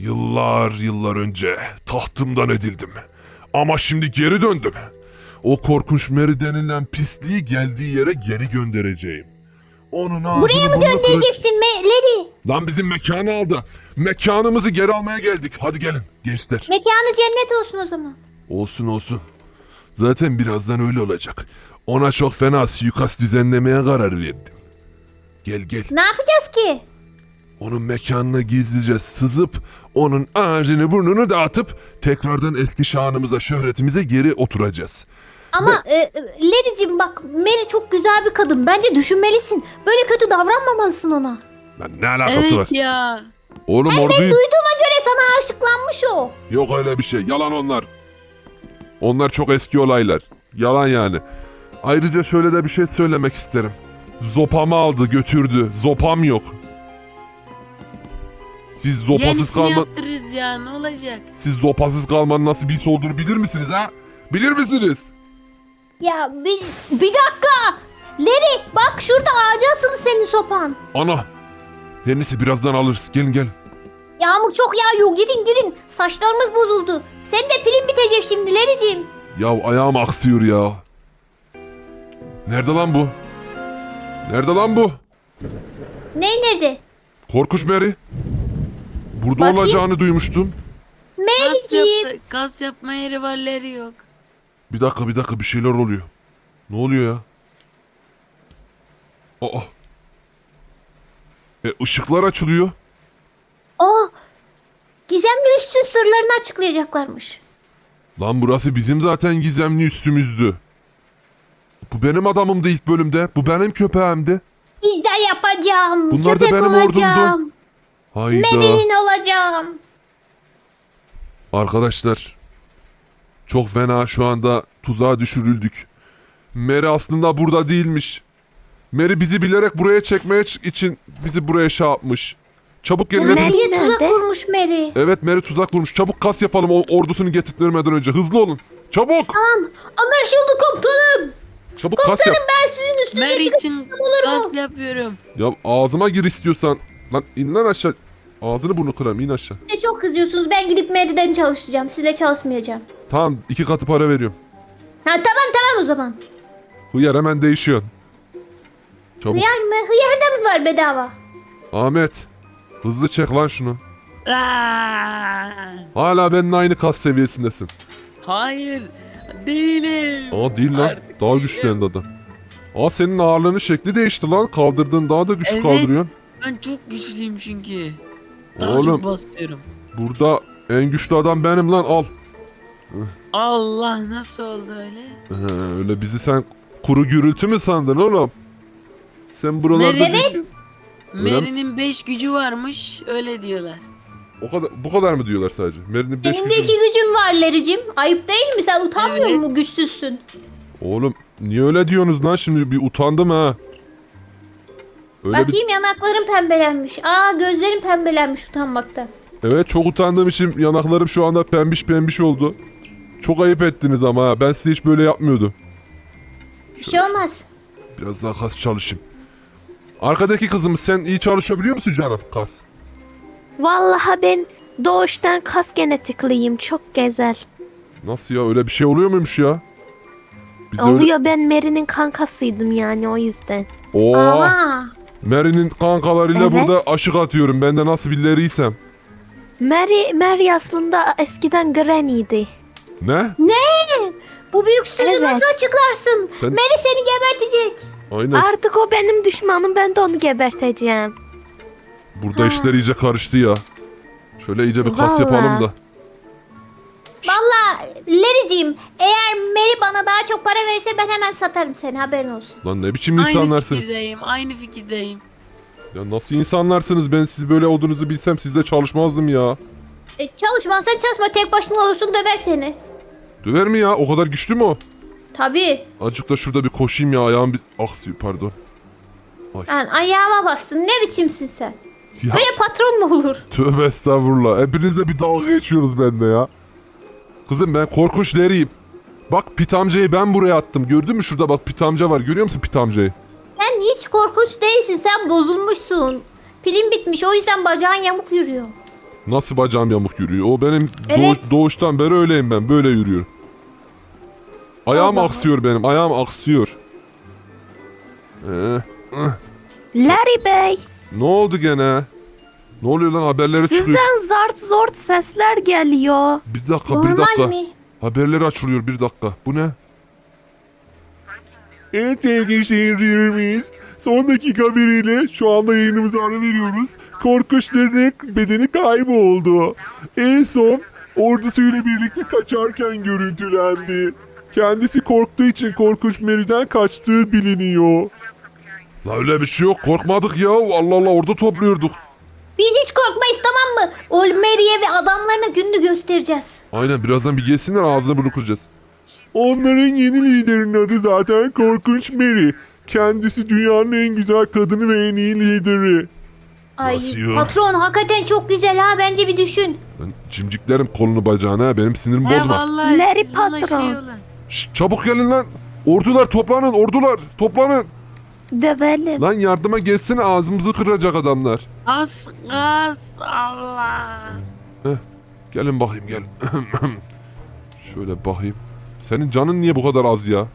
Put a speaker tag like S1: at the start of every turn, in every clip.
S1: Yıllar önce tahtımdan edildim. Ama şimdi geri döndüm. O korkunç Mary denilen pisliği geldiği yere geri göndereceğim. Onun ağzını
S2: Buraya mı göndereceksin Larry?
S1: Lan bizim mekanı aldı. Mekanımızı geri almaya geldik. Hadi gelin gençler.
S2: Mekanı cennet olsun o zaman.
S1: Olsun. Zaten birazdan öyle olacak. Ona çok fena suikast düzenlemeye karar verdim. Gel.
S2: Ne yapacağız ki?
S1: Onun mekanına gizlice sızıp onun ağzını burnunu dağıtıp tekrardan eski şanımıza, şöhretimize geri oturacağız.
S2: Ama Larry'cim bak, Mary çok güzel bir kadın. Bence düşünmelisin. Böyle kötü davranmamalısın ona.
S1: Lan ne alakası var?
S3: Evet ya.
S1: Oğlum
S2: Ben
S1: orduyu...
S2: duyduğuma göre sana aşıklanmış o.
S1: Yok öyle bir şey. Yalan onlar. Onlar çok eski olaylar. Yalan yani. Ayrıca şöyle de bir şey söylemek isterim. Zopamı aldı götürdü. Zopam yok. Siz zopasız
S3: Yenisini
S1: kalma...
S3: yaptırırız ya, ne olacak?
S1: Siz zopasız kalmanın nasıl bir his olduğunu bilir misiniz ha? Bilir misiniz?
S2: Ya bir dakika. Larry bak, şurada ağaca asılı senin sopan.
S1: Ana. Her neyse birazdan alırız. Gelin.
S2: Yağmur çok yağıyor. Girin. Saçlarımız bozuldu. Senin de pilin bitecek şimdi Larry'cim.
S1: Ya ayağım aksıyor ya. Nerede lan bu?
S2: Ney nerede?
S1: Korkunç Mary. Burada
S2: Bakayım.
S1: olacağını duymuştum.
S2: Mary'cim.
S3: Kas yapma yeri var, Larry yok.
S1: Bir dakika bir şeyler oluyor. Ne oluyor ya? Aa. Işıklar açılıyor.
S2: Gizemli üssün sırlarını açıklayacaklarmış.
S1: Lan burası bizim zaten gizemli üstümüzdü. Bu benim adamımdı ilk bölümde. Bu benim köpeğimdi.
S2: İzle yapacağım.
S1: Bunlar da
S2: Köpek
S1: benim
S2: olacağım.
S1: ordumdu. Hayda.
S2: Mary'nin olacağım.
S1: Arkadaşlar. Çok fena şu anda tuzağa düşürüldük. Mary aslında burada değilmiş. Mary bizi bilerek buraya çekmeye için bizi buraya şey yapmış. Çabuk gelin hepiniz.
S2: Mary'e tuzak
S4: nerede?
S2: kurmuş Mary.
S1: Evet Mary tuzak kurmuş. Çabuk kas yapalım o ordusunu getirtmeden önce. Hızlı olun. Çabuk.
S2: Tamam. Anlaşıldı komutanım.
S1: Çabuk kas yap.
S2: Ben sizin üstünüze
S3: Mary
S2: çıkıp
S3: için
S2: olur mu?
S3: kas yapıyorum.
S1: Ya ağzıma gir istiyorsan. Lan in lan aşağı. Ağzını burnunu kırarım in aşağı.
S2: Siz de çok kızıyorsunuz. Ben gidip Mary'den çalışacağım. Sizle çalışmayacağım.
S1: Tamam 2 katı para veriyorum.
S2: Ha tamam o zaman.
S1: Hıyar hemen değişiyorsun. Çabuk.
S2: Hıyar mı? Hıyar da mı var bedava?
S1: Ahmet. Hızlı çek lan şunu.
S3: Aa!
S1: Hala benimle aynı kas seviyesindesin.
S3: Hayır, değilim.
S1: Aa değil lan.
S3: Artık
S1: Daha güçlendi adam. Aa senin ağırlığının şekli değişti lan. Kaldırdığın daha da güçlü
S3: Evet.
S1: kaldırıyorsun.
S3: Ben çok güçlüyüm çünkü. Daha
S1: Oğlum.
S3: çok basıyorum.
S1: Burada en güçlü adam benim lan al.
S3: Allah, nasıl oldu öyle?
S1: Öyle bizi sen kuru gürültü mü sandın oğlum? Sen buralarda
S3: Mary-
S1: değil- Öyle mi?
S3: Mary'nin 5 gücü varmış, öyle diyorlar.
S1: bu kadar mı diyorlar sadece? Mary'nin 5
S2: Senin de 2 gücün var Larry'cim. Ayıp değil mi? Sen utanmıyor
S3: Evet.
S2: musun? Güçsüzsün.
S1: Oğlum niye öyle diyorsunuz lan şimdi bir utandım ha. Öyle
S2: Bakayım, yanakların pembelenmiş. Gözlerin pembelenmiş utanmaktan.
S1: Evet çok utandığım için yanaklarım şu anda pembiş oldu. Çok ayıp ettiniz ama ha. Ben size hiç böyle yapmıyordum.
S2: Bir şey olmaz.
S1: Biraz daha kas çalışayım. Arkadaki kızımız sen iyi çalışabiliyor musun canım kas?
S4: Vallahi ben doğuştan kas genetikliyim. Çok güzel.
S1: Nasıl ya öyle bir şey oluyor muymuş ya? Biz öyle...
S4: Oluyor, ben Mary'nin kankasıydım yani, o yüzden.
S1: Oo,
S2: Aha.
S1: Mary'nin kankalarıyla
S4: Evet.
S1: burada aşık atıyorum. Ben de nasıl birileриysem.
S4: Mary aslında eskiden Granny'di.
S1: Ne?
S2: Bu büyük sırrı
S4: Evet.
S2: nasıl açıklarsın?
S1: Sen-
S2: Mary seni gebertecek.
S1: Aynen.
S4: Artık o benim düşmanım, ben de onu geberteceğim.
S1: Burada işler iyice karıştı ya. Şöyle iyice bir kas
S4: Vallahi.
S1: yapalım da.
S2: Valla Larry'cim, eğer Mary bana daha çok para verirse ben hemen satarım seni, haberin olsun.
S1: Lan ne biçim
S3: Aynı
S1: insanlarsınız?
S3: fikirdeyim.
S1: Ya nasıl insanlarsınız? Ben siz böyle olduğunuzu bilsem sizle çalışmazdım ya.
S2: Çalışmazsan çalışma, tek başına olursun, döver seni.
S1: Döver mi ya? O kadar güçlü mü o?
S2: Tabii.
S1: Azıcık da şurada bir koşayım ya. Ayağım bir aksıyor pardon.
S2: Yani ayağıma bastın, ne biçimsin sen?
S1: Ya
S2: Böyle patron mu olur?
S1: tövbe estağfurullah. Hepinizle bir dalga geçiyoruz bende ya. Kızım ben korkunç Larry'yim. Bak Pit amcayı ben buraya attım. Gördün mü şurada bak Pit amca var. Görüyor musun Pit amcayı?
S2: Sen hiç korkunç değilsin, sen bozulmuşsun. Pilin bitmiş, o yüzden bacağın yamuk yürüyor.
S1: Nasıl bacağım yamuk yürüyor? O benim
S2: Evet.
S1: doğuştan beri öyleyim ben. Böyle yürüyorum. Ayağım
S2: Allah.
S1: aksıyor benim. Ayağım aksıyor.
S4: Larry Bey,
S1: Ne oldu gene? Ne oluyor lan? Haberlere çıkıyor.
S4: sizden zart zort sesler geliyor.
S1: Bir dakika, bir
S2: Normal
S1: dakika.
S2: mi?
S1: Haberleri açılıyor, bir dakika. Bu ne? Evet sevgili seyircilerimiz. Son dakika haberiyle şu anda yayınımıza ara veriyoruz. Korkunçların bedeni kayboldu. En son ordusuyla birlikte kaçarken görüntülendi. Kendisi korktuğu için Korkunç Mary'den kaçtığı biliniyor. La öyle bir şey yok. Korkmadık ya. Allah Allah, orada topluyorduk.
S2: Biz hiç korkmayız, tamam mı? O Mary'e ve adamlarına gününü göstereceğiz.
S1: Aynen, birazdan bir gelsinler, ağzını bunu kıracağız. Onların yeni liderinin adı zaten Korkunç Mary. Kendisi dünyanın en güzel kadını ve en iyi lideri.
S2: Ay
S1: Nasıl ya?
S2: patron hakikaten çok güzel ha, bence bir düşün.
S1: Ben cimciklerim kolunu bacağını ha. Benim sinirimi
S3: He
S1: bozma.
S3: vallahi
S4: Larry
S3: siz bana
S4: patron.
S3: olun.
S1: Şşt, çabuk gelin lan. Ordular toplanın, ordular toplanın.
S4: Dövelim.
S1: Lan yardıma gelsene, ağzımızı kıracak adamlar.
S3: Az Allah.
S1: Gelin bakayım, gel. Şöyle bakayım. Senin canın niye bu kadar az ya?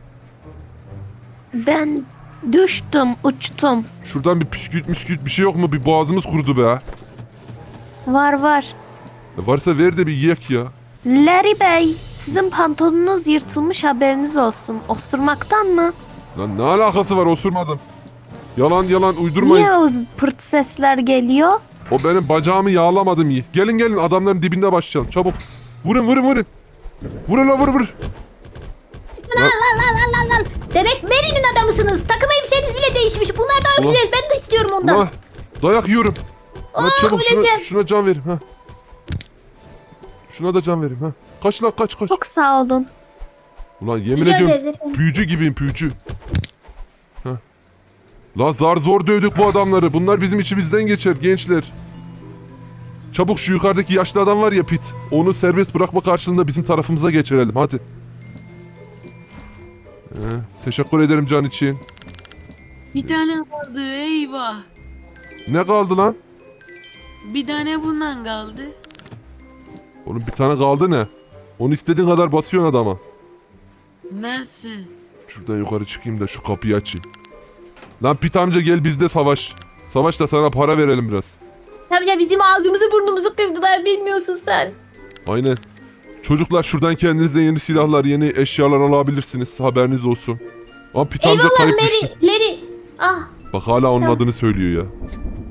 S4: Ben düştüm, uçtum.
S1: Şuradan bir püskürt bir şey yok mu? Bir boğazımız kurudu be.
S4: Var.
S1: Varsa ver de bir yiyek ya.
S4: Larry Bey, sizin pantolonunuz yırtılmış, haberiniz olsun. Osurmaktan mı?
S1: Lan ne alakası var, osurmadım. Yalan uydurmayın.
S4: Niye o pırt sesler geliyor?
S1: O benim bacağımı yağlamadım iyi. Gelin adamların dibinde başlayalım çabuk. Vurun. Vurun la vur.
S2: Al. Demek Mary'nin adamısınız. Takım elbiseniz bile değişmiş. Bunlar daha
S1: Ulan.
S2: güzel. Ben de istiyorum ondan.
S1: Ulan dayak yiyorum. Ulan
S2: Aa,
S1: çabuk
S2: öleceğim.
S1: şuna can verin ha. Şuna da can verin ha. Kaç lan kaç.
S4: Çok sağ olun.
S1: Ulan yemin
S2: Rica
S1: ediyorum
S2: ederiz efendim.
S1: büyücü gibiyim büyücü. Ha. La zar zor dövdük bu adamları. Bunlar bizim içimizden geçer gençler. Çabuk şu yukarıdaki yaşlı adam var ya Pit. Onu serbest bırakma karşılığında bizim tarafımıza geçirelim hadi. Teşekkür ederim can için.
S3: Bir tane kaldı, eyvah.
S1: Ne kaldı lan?
S3: Bir tane bundan kaldı.
S1: Oğlum bir tane kaldı ne? Onu istediğin kadar basıyorsun adama.
S3: Nasıl?
S1: Şuradan yukarı çıkayım da şu kapıyı açayım. Lan Pit amca gel bizde savaş. Savaş da sana para verelim biraz.
S2: Tabii bizim ağzımızı burnumuzu kırdılar, bilmiyorsun sen.
S1: Aynen. Çocuklar şuradan kendinize yeni silahlar, yeni eşyalar alabilirsiniz. Haberiniz olsun. Ama Pit amca
S2: Eyvallah
S1: kayıp düştü.
S2: Larry. Ah.
S1: Bak hala onun
S2: Tamam.
S1: adını söylüyor ya.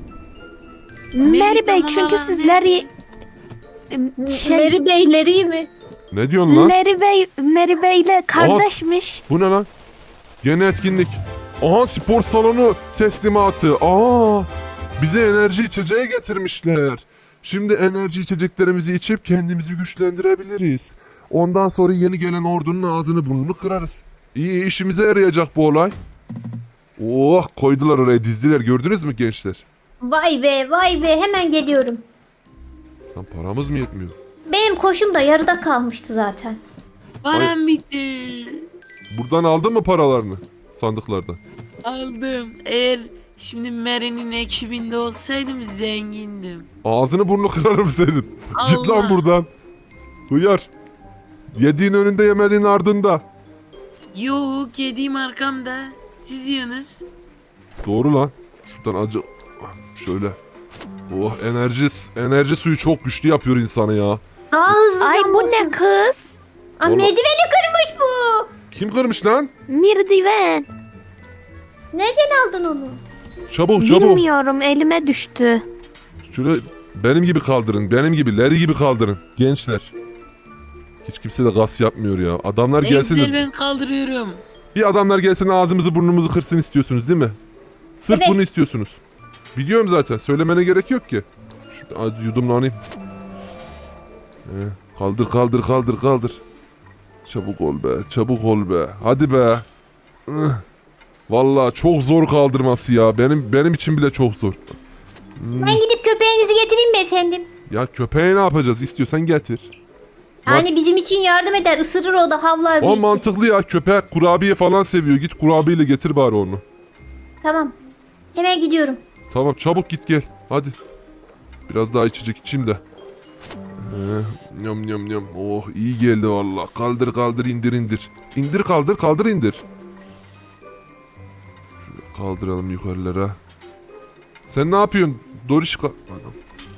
S4: Larry Bey,
S3: tamam,
S4: çünkü
S3: tamam.
S4: siz Larry...
S2: Mary Bey'leri mi?
S1: Ne diyorsun lan?
S4: Larry Bey'le kardeşmiş.
S1: Bu ne lan? Yeni etkinlik. Aha spor salonu teslimatı. Bize enerji içeceği getirmişler. Şimdi enerji içeceklerimizi içip kendimizi güçlendirebiliriz. Ondan sonra yeni gelen ordunun ağzını burnunu kırarız. İyi işimize yarayacak bu olay. Oh koydular oraya, dizdiler, gördünüz mü gençler?
S2: Vay be, hemen geliyorum.
S1: Lan paramız mı yetmiyor?
S2: Benim koşum da yarıda kalmıştı zaten.
S3: Param bitti.
S1: Buradan aldın mı paralarını? Sandıklardan.
S3: Aldım. Eğer şimdi Mary'nin ekibinde olsaydım zengindim.
S1: Ağzını burnunu kırarım senin. Git lan
S3: Allah.
S1: buradan. Hıyar. Yediğin önünde, yemediğin ardında.
S3: Yok, yediğim arkamda. Siz yiyorsunuz.
S1: Doğru lan. Şuradan acı. Şöyle. Oh enerji suyu çok güçlü yapıyor insanı ya.
S2: Daha hızlı
S4: Ay
S2: can
S4: bu
S2: basın.
S4: ne kız?
S2: Aa,
S1: Vallahi-
S2: merdiveni kırmış bu.
S1: Kim kırmış lan?
S4: Merdiven.
S2: Nereden aldın onu?
S1: Çabuk.
S4: Bilmiyorum, elime düştü.
S1: Şöyle benim gibi kaldırın. Benim gibi, Larry gibi kaldırın. Gençler. Hiç kimse de gaz yapmıyor ya. Adamlar
S3: En
S1: gelsin.
S3: güzel ben kaldırıyorum.
S1: Bir adamlar gelsin ağzımızı burnumuzu kırsın istiyorsunuz değil mi? Sırf
S2: Evet.
S1: bunu istiyorsunuz. Biliyorum zaten. Söylemene gerek yok ki. Şurada yudumlanayım. Kaldır. Çabuk ol be. Hadi be. Vallahi çok zor kaldırması ya. Benim için bile çok zor.
S2: Ben gidip köpeğinizi getireyim mi efendim?
S1: Ya köpeğe ne yapacağız? İstiyorsan getir.
S2: Yani bizim için yardım eder. Isırır o da, havlar
S1: O
S2: belki.
S1: mantıklı ya. Köpek kurabiye falan seviyor. Git kurabiyeyle getir bari onu.
S2: Tamam. Hemen gidiyorum.
S1: Tamam çabuk git gel. Hadi. Biraz daha içecek içeyim de. Yam yam yam. Oh iyi geldi valla. Kaldır kaldır indir indir. İndir kaldır kaldır indir. Şöyle kaldıralım yukarılara. Sen ne yapıyorsun? Doriş Anam.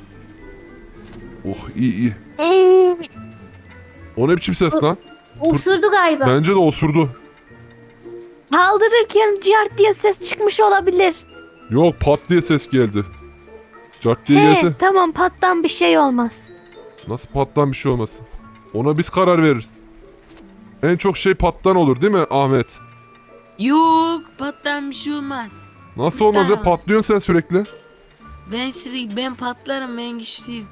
S1: Oh iyi iyi. O ne biçim ses lan?
S2: Osurdu galiba.
S1: Bence de osurdu.
S4: Kaldırırken cart diye ses çıkmış olabilir.
S1: Yok pat diye ses geldi. Cart diye gelse
S4: Tamam, pattan bir şey olmaz.
S1: nasıl pattan bir şey olmasın? Ona biz karar veririz. En çok şey pattan olur değil mi Ahmet?
S3: Yok pattan bir şey olmaz.
S1: Nasıl olmaz ya, patlıyorsun sen sürekli.
S3: Ben patlarım, ben güçlüyüm.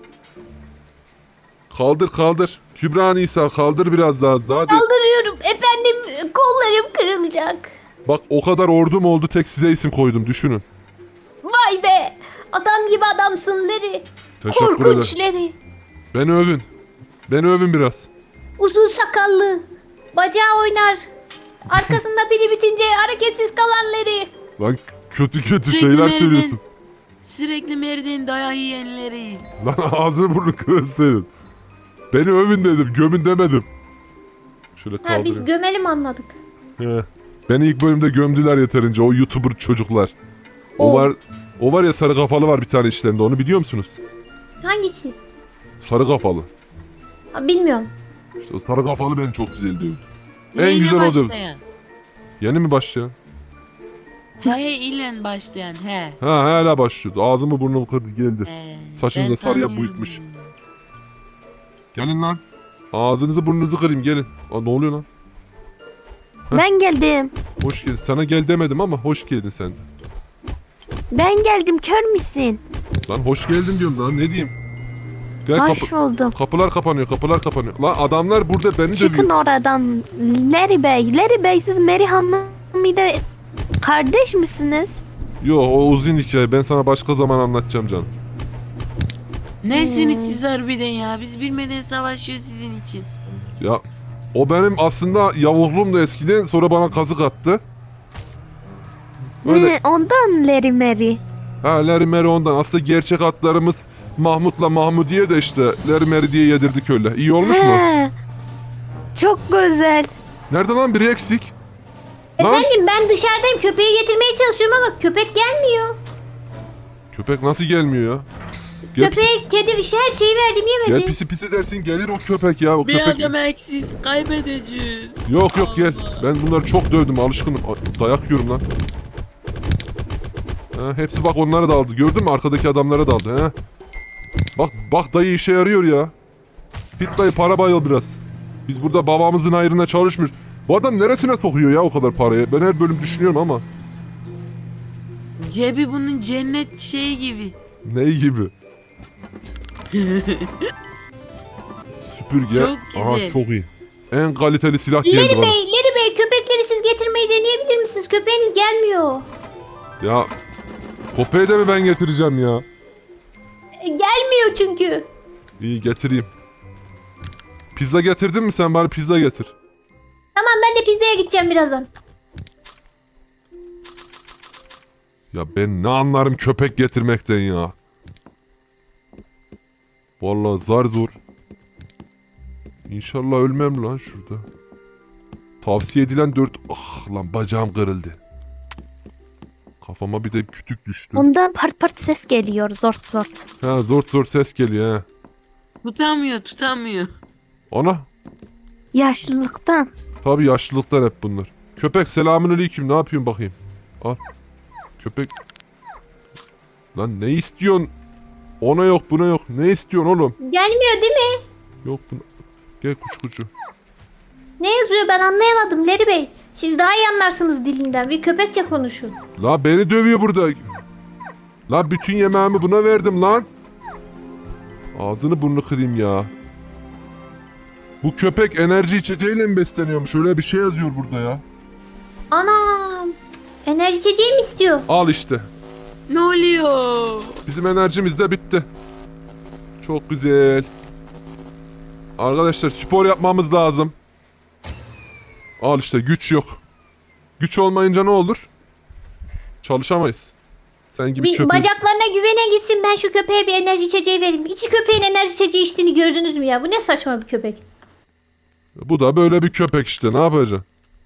S1: Kaldır kaldır. Kübra Nisa kaldır biraz daha. Hadi.
S2: Kaldırıyorum efendim, kollarım kırılacak.
S1: Bak o kadar ordum oldu, tek size isim koydum, düşünün.
S2: Vay be, adam gibi adamsın Leri.
S1: Teşekkür
S2: Korkunç
S1: ederim.
S2: Leri.
S1: Beni övün. Beni övün biraz.
S2: Uzun sakallı, bacağı oynar. Arkasında pili bitince hareketsiz kalan Leri.
S1: Lan kötü kötü
S3: Sürekli
S1: şeyler
S3: merdiven-
S1: söylüyorsun.
S3: Sürekli merdiven dayağı yiyenleri.
S1: Lan ağzını burnunu kırın senin. Beni övün dedim, gömün demedim. Şöyle
S2: Ha, biz
S1: kaldırayım.
S2: gömelim anladık.
S1: He. Beni ilk bölümde gömdüler yeterince, o YouTuber çocuklar. O
S2: O.
S1: var, o var ya, sarı kafalı var bir tane işlerinde, onu biliyor musunuz?
S2: Hangisi?
S1: Sarı kafalı.
S2: Ha, bilmiyorum.
S1: İşte o sarı kafalı beni çok güzel diyor. En
S3: Neyle
S1: güzel o dövdü.
S3: başlayan?
S1: Yeni mi başlayan?
S3: He ile başlayan he.
S1: Ha hala başlıyordu. Ağzımı burnumu kırdı geldi. Saçını
S3: Ben
S1: da sarıya
S3: tanıyorum.
S1: boyutmuş. Gelin lan. Ağzınızı burnunuzu kırayım gelin. Aa, ne oluyor lan? Heh.
S4: Ben geldim.
S1: Hoş geldin. Sana gel demedim ama hoş geldin sen de.
S4: Ben geldim, kör müsün?
S1: Lan hoş geldin diyorum lan, ne diyeyim. Gel
S4: Hoş buldum.
S1: kapılar kapanıyor, kapılar kapanıyor. Lan adamlar burada beni
S4: Çıkın
S1: dövüyor.
S4: oradan. Larry Bey. Larry Bey, siz Mary Hanım'la kardeş misiniz?
S1: Yo o uzun hikaye, ben sana başka zaman anlatacağım canım.
S3: Nesiniz siz harbiden ya? Biz bilmeden savaşıyoruz sizin için.
S1: Ya o benim aslında yavuzluğum da eskiden, sonra bana kazık attı. Böyle
S4: Ondan Larry Mary.
S1: ha Larry Mary ondan. Aslında gerçek adlarımız Mahmut'la Mahmudiye de işte Larry Mary diye yedirdik öyle. İyi olmuş mu?
S4: He. Çok güzel.
S1: Nerede lan biri eksik? Lan
S2: Efendim ben dışarıdayım, köpeği getirmeye çalışıyorum ama köpek gelmiyor.
S1: köpek nasıl gelmiyor ya? Gel pisi,
S2: Köpeğe kedi bir şey, her şeyi verdim
S1: gel
S2: yemedi.
S1: pisi pisi dersin gelir o köpek ya. O
S3: Bir
S1: köpek.
S3: adam eksiz kaybedeceğiz.
S1: Yok yok gel.
S3: Allah.
S1: Ben bunları çok dövdüm, alışkınım. Ay, dayak yiyorum lan. Ha, hepsi bak onlara daldı. Gördün mü? Arkadaki adamlara daldı. He. Bak dayı işe yarıyor ya. Git dayı para bayıl biraz. Biz burada babamızın hayrına çalışmıyoruz. Bu adam neresine sokuyor ya o kadar parayı? Ben her bölüm düşünüyorum ama.
S3: Cebi bunun cennet şeyi gibi.
S1: Ney gibi? Süpürge.
S3: Çok
S1: Aha
S3: güzel.
S1: çok iyi. En kaliteli silah geldi
S2: Leri
S1: bana.
S2: Bey, Leri Bey, köpekleri siz getirmeyi deneyebilir misiniz? Köpeğiniz gelmiyor.
S1: Ya köpeği de mi ben getireceğim ya?
S2: Gelmiyor çünkü.
S1: İyi getireyim. Pizza getirdin mi sen, bari pizza getir.
S2: Tamam, ben de pizzaya gideceğim birazdan.
S1: Ya ben ne anlarım köpek getirmekten ya. Vallahi zar zor. İnşallah ölmem lan şurada. Tavsiye edilen 4... Ah lan bacağım kırıldı. Kafama bir de kütük düştü.
S4: Ondan part part ses geliyor, zort zort.
S1: Ha zor ses geliyor ha.
S3: Tutamıyor.
S1: Ana.
S4: Yaşlılıktan.
S1: Tabii yaşlılıktan hep bunlar. Köpek selamünaleyküm, ne yapıyorsun bakayım. Al. Köpek. Lan ne istiyorsun? Ona yok buna yok. Ne istiyorsun oğlum?
S2: Gelmiyor değil mi?
S1: Yok buna. Gel kuçu.
S2: Ne yazıyor ben anlayamadım Leri Bey. Siz daha iyi anlarsınız dilinden. Bir köpekçe konuşun.
S1: La beni dövüyor burada. La bütün yemeğimi buna verdim lan. Ağzını burnunu kırayım ya. Bu köpek enerji içeceğiyle mi besleniyormuş? Öyle bir şey yazıyor burada ya.
S2: Anam. Enerji içeceği mi istiyor?
S1: Al işte.
S3: Ne oluyor?
S1: Bizim enerjimiz de bitti. Çok güzel. Arkadaşlar spor yapmamız lazım. Al işte, güç yok. Güç olmayınca ne olur? Çalışamayız. Sen gibi
S2: Bir
S1: köpek.
S2: bacaklarını bana güvene gitsin, ben şu köpeğe bir enerji içeceği vereyim. Hiç köpeğin enerji içeceği içtiğini gördünüz mü ya? Bu ne saçma bir köpek.
S1: Bu da böyle bir köpek işte, ne yapacaksın?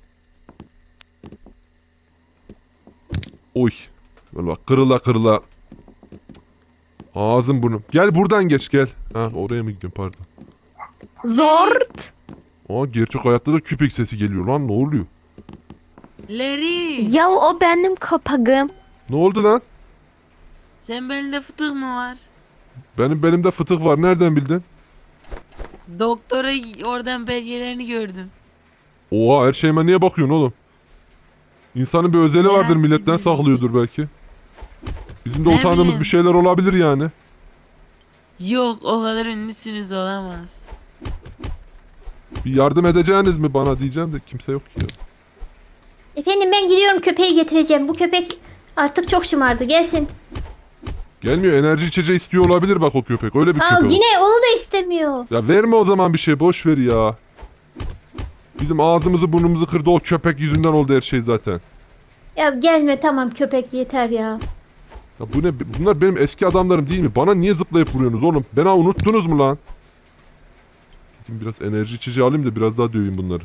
S1: Oy. Böyle bak, kırıla kırıla. Ağzım burnum. Gel buradan geç gel. Ha, oraya mı gidiyorsun, pardon.
S4: Zort.
S1: Aa, gerçek hayatta da köpek sesi geliyor lan, ne oluyor?
S3: Larry.
S4: Ya o benim köpeğim.
S1: Ne oldu lan?
S3: Sen belinde fıtık mı var?
S1: Benim de fıtık var, nereden bildin?
S3: Doktora oradan belgelerini gördüm.
S1: Oha, her şeyime niye bakıyorsun oğlum? İnsanın bir özeli
S3: Merak
S1: vardır, milletten
S3: ediyorum.
S1: saklıyordur belki. Bizim de
S3: Ne
S1: utandığımız
S3: bileyim.
S1: bir şeyler olabilir yani.
S3: Yok, o kadar ünlüsünüz, olamaz.
S1: Bir yardım edeceğiniz mi bana diyeceğim de kimse yok ki ya.
S2: Efendim ben gidiyorum, köpeği getireceğim. Bu köpek artık çok şımardı. Gelsin.
S1: Gelmiyor, enerji içeceği istiyor olabilir bak o köpek, öyle bir
S2: Al,
S1: köpek.
S2: yine onu da istemiyor.
S1: Ya verme o zaman bir şey, boş ver ya. Bizim ağzımızı burnumuzu kırdı o köpek yüzünden oldu her şey zaten.
S2: Ya gelme, tamam köpek, yeter ya.
S1: Ya bu ne? Bunlar benim eski adamlarım değil mi? Bana niye zıplayıp vuruyorsunuz oğlum? Beni unuttunuz mu lan? Gideyim biraz enerji içeceği alayım da biraz daha döveyim bunları.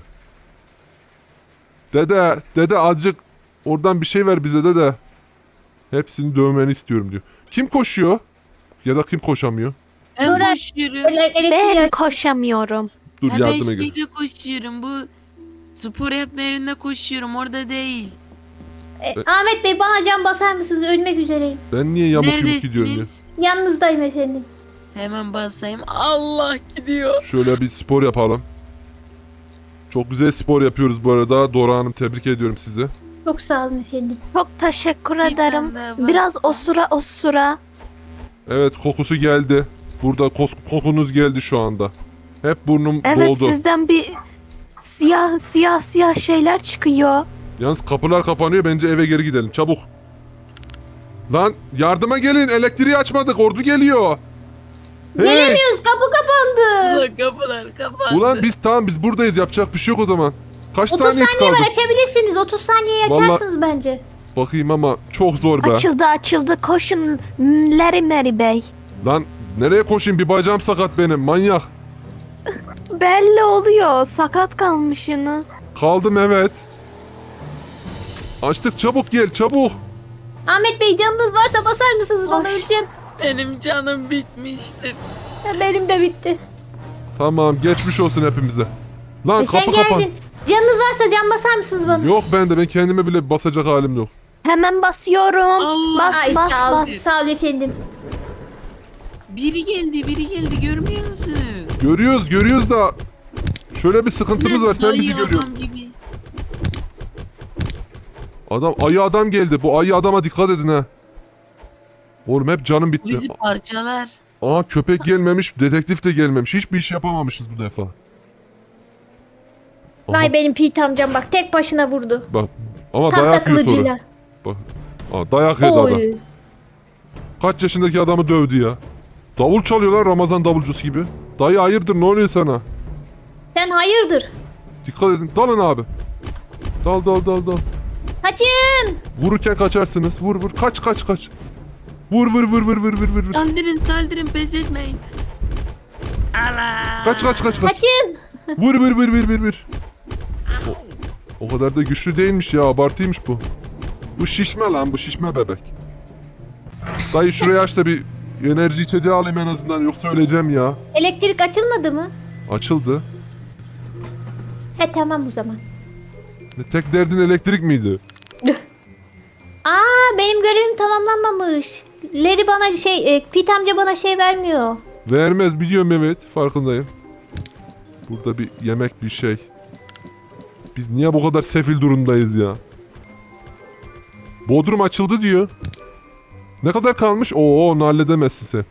S1: Dede azıcık oradan bir şey ver bize dede. Hepsini dövmeni istiyorum diyor. Kim koşuyor? Ya da kim koşamıyor?
S3: Ben
S2: Sonra-
S3: koşuyorum.
S2: Böyle elektriği
S4: Ben
S2: aç-
S4: koşamıyorum.
S1: Dur
S3: Ben
S1: yardıma gel.
S3: şeyde koşuyorum. Bu spor yapma koşuyorum. Orada değil.
S2: Ahmet Bey, bana can basar mısınız? Ölmek üzereyim.
S1: Ben niye yamuk yumuk gidiyorum ya?
S3: Neredesiniz?
S2: Yanınızdayım efendim.
S3: Hemen basayım. Allah, gidiyor.
S1: Şöyle bir spor yapalım. Çok güzel spor yapıyoruz bu arada. Dora Hanım, tebrik ediyorum sizi.
S2: Çok sağ olun efendim.
S4: Çok teşekkür
S3: Bir
S4: ederim.
S3: tane daha
S4: Biraz
S3: varsa.
S4: osura.
S1: Evet, kokusu geldi. Burada kokunuz geldi şu anda. Hep burnum
S4: Evet,
S1: doldu.
S4: sizden bir siyah şeyler çıkıyor.
S1: Yalnız kapılar kapanıyor, bence eve geri gidelim çabuk. Lan yardıma gelin, elektriği açmadık, ordu geliyor. Hey!
S2: Gelemiyoruz, kapı kapandı.
S3: Ulan kapılar kapandı.
S1: Ulan biz buradayız, yapacak bir şey yok o zaman. Kaç
S2: 30
S1: saniyesi
S2: saniye
S1: kaldı?
S2: var, açabilirsiniz. 30 saniye
S1: Vallahi-
S2: açarsınız bence.
S1: Bakayım ama çok zor be.
S4: Açıldı. Koşun Larry Mary Bey.
S1: Lan nereye koşayım, bir bacağım sakat benim, manyak.
S4: Belli oluyor. Sakat kalmışsınız.
S1: Kaldım evet. Açtık, çabuk gel çabuk.
S2: Ahmet Bey, canınız varsa basar mısınız? Bana
S4: Hoş.
S2: öleceğim.
S3: Benim canım bitmiştir.
S2: Ya benim de bitti.
S1: Tamam, geçmiş olsun hepimize. Lan
S2: Sen
S1: kapı
S2: geldin.
S1: kapan.
S2: Canınız varsa can basar mısınız bana?
S1: Yok bende, ben kendime bile basacak halim yok.
S4: Hemen basıyorum.
S3: Allah.
S2: Ay,
S4: Bas
S2: sağ ol,
S4: bas.
S2: sağ ol efendim.
S3: Biri geldi, görmüyor musunuz?
S1: Görüyoruz da şöyle bir sıkıntımız var, sen bizi
S3: Dayı
S1: görüyorsun.
S3: adam gibi.
S1: Ayı adam geldi. Bu ayı adama dikkat edin ha. Oğlum hep canım
S3: Bu
S1: bitti.
S3: bizi parçalar.
S1: Aa, köpek gelmemiş, dedektif de gelmemiş. Hiçbir iş yapamamışız bu defa. Aha,
S2: Vay benim Pete amcam, bak tek başına vurdu.
S1: bak. Ama
S2: Tahta
S1: dayak yiyor sonra.
S2: kılıcıyla.
S1: Bak. Aa, dayak yedi adam.
S2: Oy.
S1: Kaç yaşındaki adamı dövdü ya. Davul çalıyorlar, Ramazan davulcusu gibi. Dayı hayırdır, ne oluyor sana?
S2: Sen hayırdır?
S1: Dikkat edin. Dalın abi. Dal.
S2: Kaçın.
S1: Vururken kaçarsınız. Vur. Kaç. Vur.
S3: Saldırın, pes etmeyin. Allah.
S1: Kaç.
S2: Kaçın.
S1: Vur. O kadar da güçlü değilmiş ya, abartıymış bu. Bu şişme lan, bu şişme bebek. Dayı şuraya aç da bir enerji içeceği alayım en azından, yoksa öleceğim ya.
S2: Elektrik açılmadı mı?
S1: Açıldı.
S2: He tamam o zaman.
S1: Ne, tek derdin elektrik miydi?
S2: Aa, benim görevim tamamlanmamış. Larry bana Pete amca bana şey vermiyor.
S1: Vermez, biliyorum evet, farkındayım. Burada bir yemek, bir şey. Biz niye bu kadar sefil durumdayız ya? Bodrum açıldı diyor. Ne kadar kalmış? Oo, onu halledemezsin sen.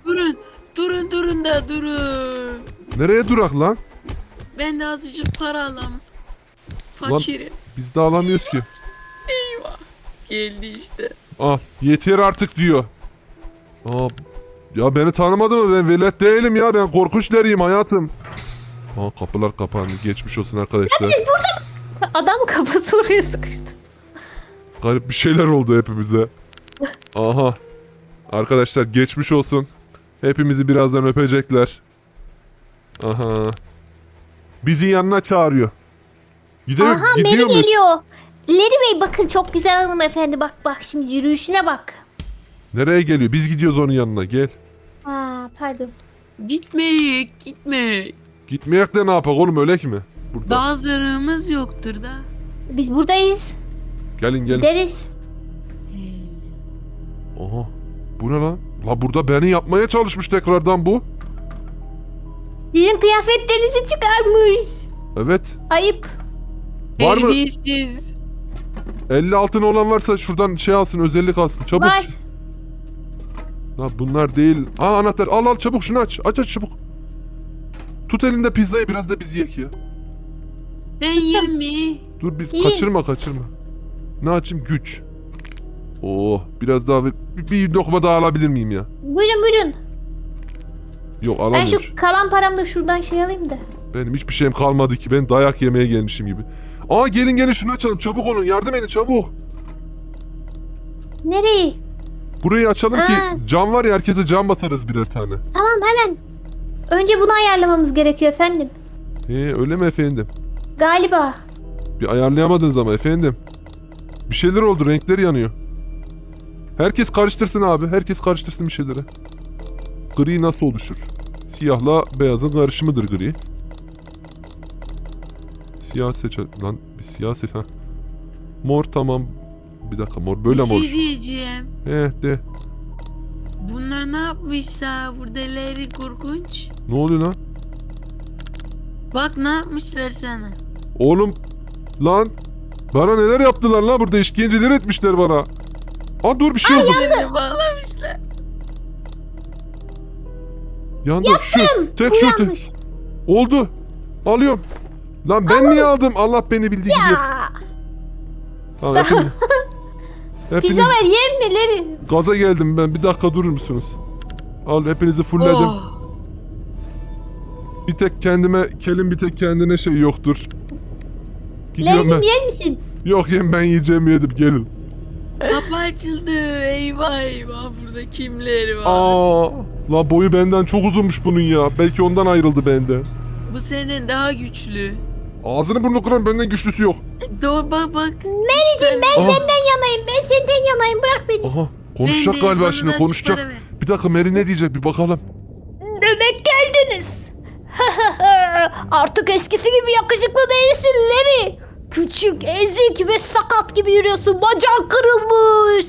S3: Durun.
S1: Nereye durak lan?
S3: Ben de azıcık para alam. Fakirim.
S1: Biz de alamıyoruz ki.
S3: Geldi işte.
S1: Al, yeter artık diyor. Aa, ya beni tanımadı mı? Ben velet değilim ya. Ben korkunç deriyim hayatım. Aa, kapılar kapandı. Geçmiş olsun arkadaşlar.
S2: Adam kafası oraya sıkıştı.
S1: Garip bir şeyler oldu hepimize. Aha. Arkadaşlar geçmiş olsun. Hepimizi birazdan öpecekler. Aha. Bizi yanına çağırıyor.
S2: Aha Mary
S1: gidiyor muyuz?
S2: geliyor. Larry Bey bakın çok güzel hanımefendi. Bak şimdi yürüyüşüne bak.
S1: Nereye geliyor? Biz gidiyoruz onun yanına. Gel.
S2: Aa pardon.
S3: Gitme.
S1: Gitmeyek de ne yapak oğlum, ölek mi? Burada.
S3: Daha zararımız yoktur da.
S2: Biz buradayız.
S1: Gelin.
S2: Gideriz.
S1: Aha. Bu ne lan? La burada beni yapmaya çalışmış tekrardan bu.
S2: Sizin kıyafetlerinizi çıkarmış.
S1: Evet.
S2: Ayıp.
S1: Var mı?
S3: Terbiyesiz.
S1: 50 altın olan varsa şuradan şey alsın, özellik alsın. Çabuk.
S2: Var.
S1: La bunlar değil. Aa anahtar. Al çabuk şunu aç. Aç çabuk. Tut elinde pizzayı, biraz da biz yiyek ya.
S3: Ben yerim mi?
S1: Dur bir
S2: İyi.
S1: kaçırma. Ne açayım? Güç. Oh biraz daha bir lokma daha alabilir miyim ya?
S2: Buyurun.
S1: Yok
S2: Ben
S1: alamıyorum.
S2: şu kalan paramda şuradan şey alayım da.
S1: Benim hiçbir şeyim kalmadı ki. Ben dayak yemeye gelmişim gibi. Aa gelin şunu açalım. Çabuk olun. Yardım edin çabuk.
S2: Nereye?
S1: Burayı açalım ki
S2: Ha.
S1: cam var ya, herkese cam basarız birer tane.
S2: Tamam hemen. Önce bunu ayarlamamız gerekiyor efendim.
S1: Öyle mi efendim?
S2: Galiba.
S1: Bir ayarlayamadınız ama efendim. Bir şeyler oldu, renkleri yanıyor. Herkes karıştırsın abi. Herkes karıştırsın bir şeyleri. Gri nasıl oluşur? Siyahla beyazın karışımıdır gri. Siyah seç lan. Bir siyah seç. Ha. Mor tamam. Bir dakika mor böyle
S3: Bir
S1: mor.
S3: şey diyeceğim.
S1: De.
S3: Bunlar ne yapmışsa burada Larry korkunç.
S1: Ne oluyor lan?
S3: Bak ne yapmışlar sana.
S1: Oğlum lan. Bana neler yaptılar lan, burada işkenceler etmişler bana. Aa dur bir şey oldu.
S3: Ellerini bağlamışlar.
S1: Yandı. Şu tek
S2: Bu
S1: şu
S2: yanlış.
S1: oldu. Alıyorum. Lan ben niye aldım? Allah beni bildiği gibi yapsın.
S2: Ya.
S1: Tamam, hepiniz
S2: Pizza ver yer mi Larry?
S1: gaza geldim ben. Bir dakika durur musunuz? Al hepinizi fullledim.
S3: Oh.
S1: Bir tek kendime, Kelin bir tek kendine şey yoktur. Gidiyorum
S2: Larry'cim
S1: ben.
S2: yer misin?
S1: Yok ben yiyeceğim, yedim gelin.
S3: Kapı açıldı. Eyvah burada kimler var?
S1: Aa, la boyu benden çok uzunmuş bunun ya. Belki ondan ayrıldı benden.
S3: Bu senin daha güçlü.
S1: Ağzını burnunu kıran benden güçlüsü yok.
S3: Doğru bak.
S2: Mary'cim ben
S1: Aha.
S2: senden yanayım. Ben senden yanayım. Bırak beni.
S1: Aha konuşacak galiba şimdi, konuşacak. Bir dakika Mary ne diyecek bir bakalım.
S2: Demek geldiniz. Artık eskisi gibi yakışıklı değilsin Larry. Küçük, ezik ve sakat gibi yürüyorsun. Bacağın kırılmış.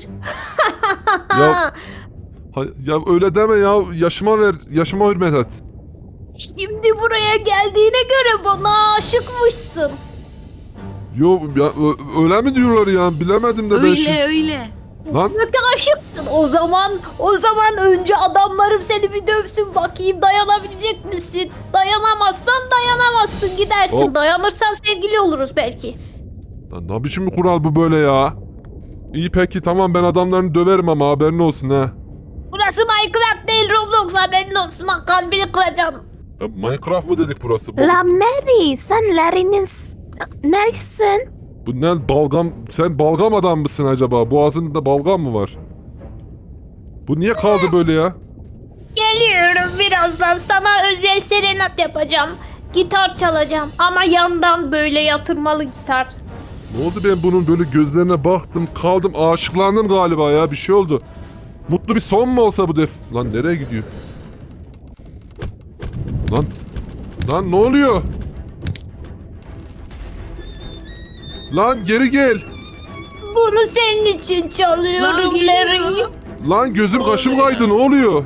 S1: Ya, ya öyle deme ya, yaşıma hürmet et.
S2: Şimdi buraya geldiğine göre bana aşıkmışsın.
S1: Yo ya öyle mi diyorlar ya, bilemedim de ben şimdi.
S3: Öyle.
S1: Lan
S2: Peki aşıktın. O zaman önce adamlarım seni bir dövsün bakayım dayanabilecek misin? Dayanamazsan dayanamazsın gidersin.
S1: Hop.
S2: Dayanırsan sevgili oluruz belki.
S1: lan ne biçim bir kural bu böyle ya? İyi peki tamam, ben adamlarını döverim ama haberin olsun ha.
S2: Burası Minecraft değil Roblox haberin olsun. Bak kalbini kıracağım.
S1: Ya Minecraft mı dedik burası?
S4: La Mary, sen Larry'nin neresin?
S1: Bu ne balgam, sen balgam adam mısın acaba? Boğazında balgam mı var? Bu niye kaldı böyle ya?
S2: Geliyorum birazdan sana özel serenat yapacağım. Gitar çalacağım ama yandan böyle yatırmalı gitar.
S1: Ne oldu, ben bunun böyle gözlerine baktım kaldım, aşıklandım galiba ya, bir şey oldu. Mutlu bir son mu olsa bu Lan nereye gidiyor? Lan ne oluyor? Lan geri gel.
S2: Bunu senin için çalıyorum Larry.
S1: Lan gözüm kaşım kaydı, ne oluyor?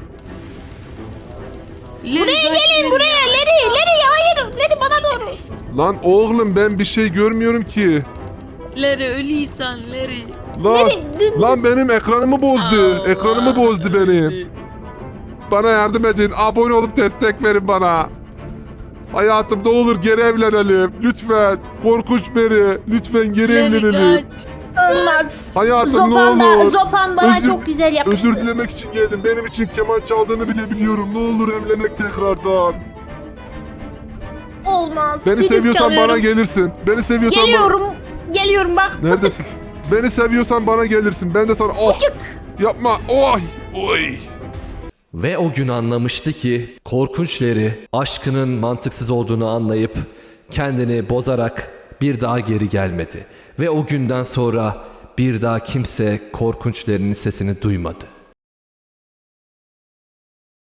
S3: Buraya
S2: Gelin buraya Larry hayır Larry bana doğru.
S1: Lan oğlum ben bir şey görmüyorum ki.
S3: Larry ölüysen Larry.
S1: Lan,
S2: Larry, dümdüz.
S1: lan benim ekranımı bozdu.
S3: Allah.
S1: Ekranımı bozdu benim. Bana yardım edin. Abone olup destek verin bana. Hayatım ne olur geri evlenelim. Lütfen. Korkunç Mary. Lütfen geri evlenelim.
S3: Larry kaç.
S2: Olmaz.
S1: Hayatım ne olur.
S2: Zopan bana
S1: Özür-
S2: çok güzel yapıştı.
S1: Özür dilemek için geldim. Benim için keman çaldığını bile biliyorum. Ne olur evlenek tekrardan.
S2: Olmaz.
S1: Beni
S2: Gidip
S1: seviyorsan
S2: çalıyorum.
S1: bana gelirsin. Beni seviyorsan bana...
S2: Geliyorum bak.
S1: Neredesin? Beni seviyorsan bana gelirsin. Ben de sana... Oh!
S2: Çık.
S1: Yapma. Oh! Oy.
S5: Ve o gün anlamıştı ki korkunçları aşkının mantıksız olduğunu anlayıp kendini bozarak bir daha geri gelmedi. Ve o günden sonra bir daha kimse korkunçlarının sesini duymadı.